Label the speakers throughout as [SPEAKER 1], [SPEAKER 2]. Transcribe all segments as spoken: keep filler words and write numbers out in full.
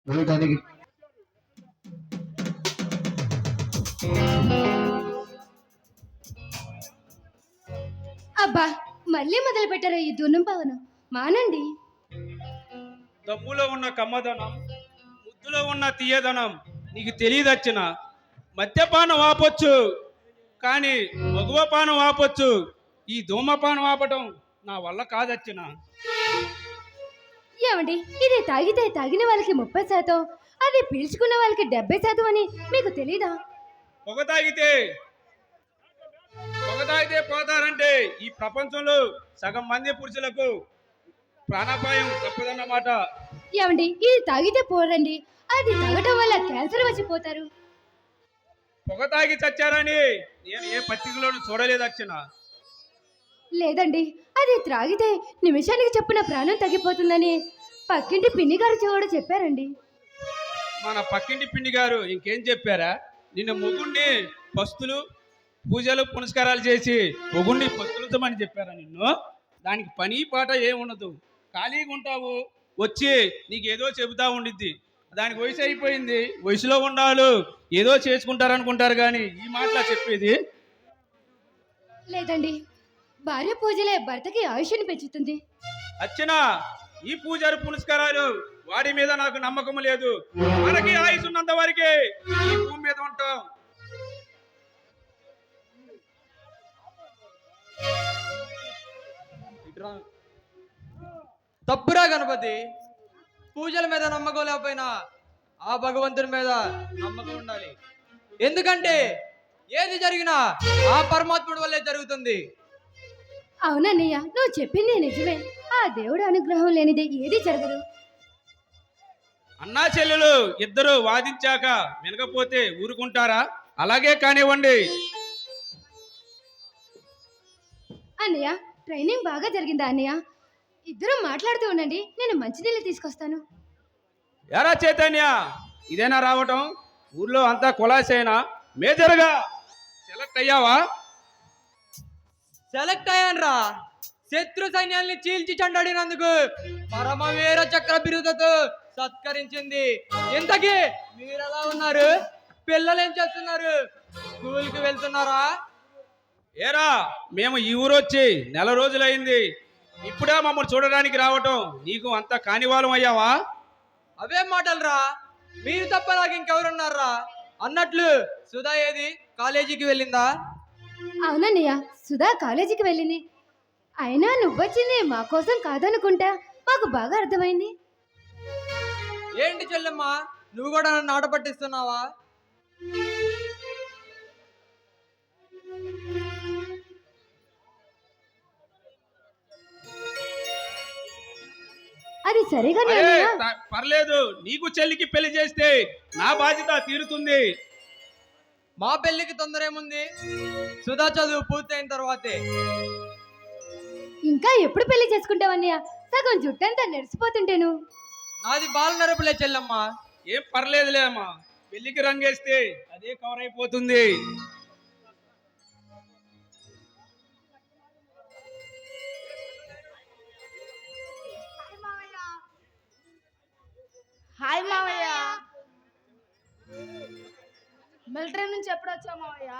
[SPEAKER 1] వేయటానికి
[SPEAKER 2] అబ్బా, మళ్ళీ మొదలు పెట్టారా ఈ దున్నం పవనం? మానండి.
[SPEAKER 3] దమ్ములో ఉన్న కమ్మదనం, ముద్దులో ఉన్న తీయదనం నీకు తెలియదచ్చిన. మద్యపానం ఆపొచ్చు, కానీ మగువపానం ఆపొచ్చు. ఈ ధూమపానం ఆపటం నా వల్ల కాదచ్చిన.
[SPEAKER 2] ఏమండి, ఇది తాగితే తాగిన వాళ్ళకి ముప్పై శాతం, అది పీల్చుకున్న వాళ్ళకి డెబ్బై శాతం అని మీకు తెలీదా?
[SPEAKER 3] పొగ తాగితే పొగ తాగితే పోతారంటే ఈ ప్రపంచంలో సగం మంది పురుషులకు ప్రాణాపాయం తప్పదన్నమాట.
[SPEAKER 2] ఏమండి, ఇది తాగితే పోరండి, అది తాగటం వల్ల క్యాన్సర్ వచ్చిపోతారు.
[SPEAKER 3] పొగ తాగి చచ్చారని నేను ఏ పత్రికలోనూ చూడలేదచ్చిన.
[SPEAKER 2] లేదండి, అది త్రాగితే నిమిషానికి చొప్పున ప్రాణం తగ్గిపోతుందని పక్కింటి పిన్ని గారు కూడా చెప్పారండి.
[SPEAKER 3] మన పక్కింటి పిండి గారు ఇంకేం చెప్పారా? నిన్ను మొగుణ్ణి పస్తులు పూజలు పునస్కారాలు చేసి మొగుణ్ణి పస్తులుతామని చెప్పారా నిన్ను? దానికి పని పాట ఏముండదు, ఖాళీగా ఉంటావు, వచ్చి నీకు ఏదో చెబుతా ఉండిద్ది. దానికి వయసు అయిపోయింది, వయసులో ఉండాలి, ఏదో చేసుకుంటారనుకుంటారు, కానీ ఈ మాటలా చెప్పేది.
[SPEAKER 2] లేదండి, భార్య పూజలే భర్తకి ఆయుష్ని పెంచుతుంది.
[SPEAKER 3] అచ్చనా, ఈ పూజలు పునస్కారాలు వాడి మీద నాకు నమ్మకం లేదు. మనకి ఆయుసు ఉన్నంత వరకే ఈ భూమి మీద ఉంటాం.
[SPEAKER 4] తప్పురా గణపతి, పూజల మీద నమ్మకం లేకపోయినా ఆ భగవంతుని మీద నమ్మకం ఉండాలి. ఎందుకంటే ఏది జరిగినా ఆ పరమాత్ముడి వల్లే జరుగుతుంది.
[SPEAKER 2] అవునన్నయ్య, నువ్వు చెప్పింది నిజమే. ఆ దేవుడు అనుగ్రహం లేనిదే ఏది జరగదు.
[SPEAKER 3] అన్నా చెల్లెలు ఇద్దరు వాదించాక వినకపోతే ఊరుకుంటారా? అలాగే కానివ్వండి.
[SPEAKER 2] అన్నయ్య, ట్రైనింగ్ బాగా జరిగిందా అన్నయ్య? ఇద్దరం మాట్లాడుతూ ఉండండి, నేను మంచినీళ్ళు తీసుకొస్తాను.
[SPEAKER 3] ఎరా చైతన్య, ఇదేనా రావటం? ఊర్లో అంతా కులాసేనా? మేజర్గా సెలెక్ట్ అయ్యావా?
[SPEAKER 4] సెలెక్ట్ అయ్యాన్రా. శత్రు సైన్యాల్ని చీల్చి చెండాడినందుకు పరమవీర చక్ర బిరుదతో సత్కరించింది. ఇంతకీ మీరు ఎలా ఉన్నారు? పిల్లలు ఏం చేస్తున్నారు? స్కూల్కి వెళ్తున్నారా?
[SPEAKER 3] ఏరా, మేము ఈ ఊరు వచ్చి నెల రోజులైంది, ఇప్పుడే మమ్మల్ని చూడడానికి రావటం నీకు అంత కానివాలం అయ్యావా?
[SPEAKER 4] అవే మాటలరా, మీరు తప్ప నాకు ఇంకెవరున్నారా? అన్నట్లు సుధా ఏది, కాలేజీకి వెళ్ళిందా?
[SPEAKER 2] అవునన్నయ్య, సుధా కాలేజీకి వెళ్ళింది. అయినా నువ్వొచ్చింది మా కోసం కాదనుకుంటా, మాకు బాగా అర్థమైంది.
[SPEAKER 4] ఏంటి చెల్లెమ్మ, నువ్వు కూడా నన్ను ఆట పట్టిస్తున్నావా?
[SPEAKER 2] అది సరిగానే
[SPEAKER 3] అరే,
[SPEAKER 2] అన్నయ్య.
[SPEAKER 3] త- పర్లేదు, నీకు చెల్లికి పెళ్లి చేస్తే నా బాధ్యత తీరుతుంది.
[SPEAKER 4] మా పెళ్లికి తొందర ఏముంది? సుధా చదువు పూర్తయిన తర్వాతే.
[SPEAKER 2] ఇంకా ఎప్పుడు పెళ్లి చేసుకుంటావన్నయ్య? సగం జుట్టంతా నెరిసిపోతుంటేను.
[SPEAKER 4] నాది బాల నరపులే చెల్లెమ్మ.
[SPEAKER 3] ఏం పర్లేదులే అమ్మా, పెళ్లికి రంగేస్తే అదే కవర్ అయిపోతుంది.
[SPEAKER 5] హాయ్ మావయ్య, మిలిటరీ నుంచి ఎప్పుడు వచ్చావు మావయ్య?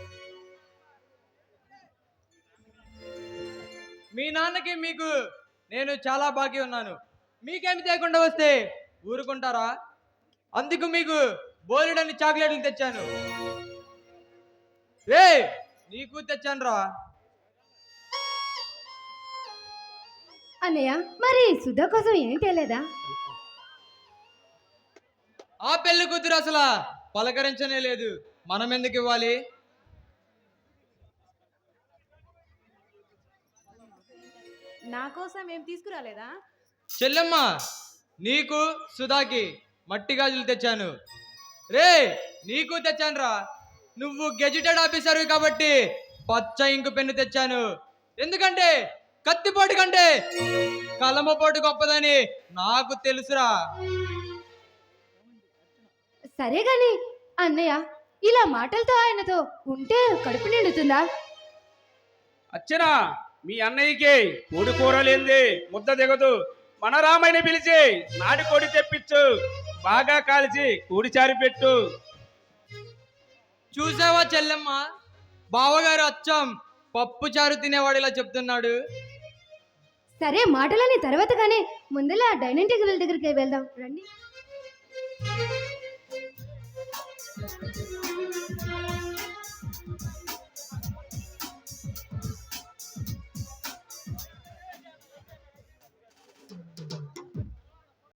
[SPEAKER 4] మీ నాన్నకి మీకు నేను చాలా బాకీ ఉన్నాను. మీకేమి తేకుండా వస్తే ఊరుకుంటారా? అందుకు మీకు బోలెడన్ని చాక్లెట్లు తెచ్చాను. రే, నీకు తెచ్చాను రా.
[SPEAKER 2] అన్నయ్య, మరి సుధా కోసం ఏం తేలేదా?
[SPEAKER 4] ఆ పెళ్లి కూతురు అసలు పలకరించనే లేదు, మనం ఎందుకు ఇవ్వాలి?
[SPEAKER 5] నా కోసం ఏం తీసుకురాలేదా?
[SPEAKER 4] చెల్లెమ్మ, నీకు సుధాకి మట్టి గాజులు తెచ్చాను. రే, నీకు తెచ్చాను రా. నువ్వు గెజిటెడ్ ఆఫీసర్ కాబట్టి పచ్చ ఇంకు పెన్ను తెచ్చాను. ఎందుకంటే కత్తిపోటు కంటే కలమపోటు గొప్పదని నాకు తెలుసురా.
[SPEAKER 2] సరే గాని అన్నయ్య, ఇలా మాటలతో ఆయనతో ఉంటే కడుపు నిండుతుందా?
[SPEAKER 3] అచ్చనా, మీ అన్నయ్యకి కోడి కూర లేంది ముద్ద దిగదు. మన రామయ్యని పిలిచి నాటి కోడి తెప్పించు. బాగా కాల్చి కూడిచారి పెట్టు.
[SPEAKER 4] చూసావా చెల్లెమ్మ, బావగారు అచ్చం పప్పు చారు తినేవాడు ఇలా చెప్తున్నాడు.
[SPEAKER 2] సరే మాటలని తర్వాత కానీ ముందర డైనింగ్ టేబుల్ దగ్గరికి వెళ్దాం రండి.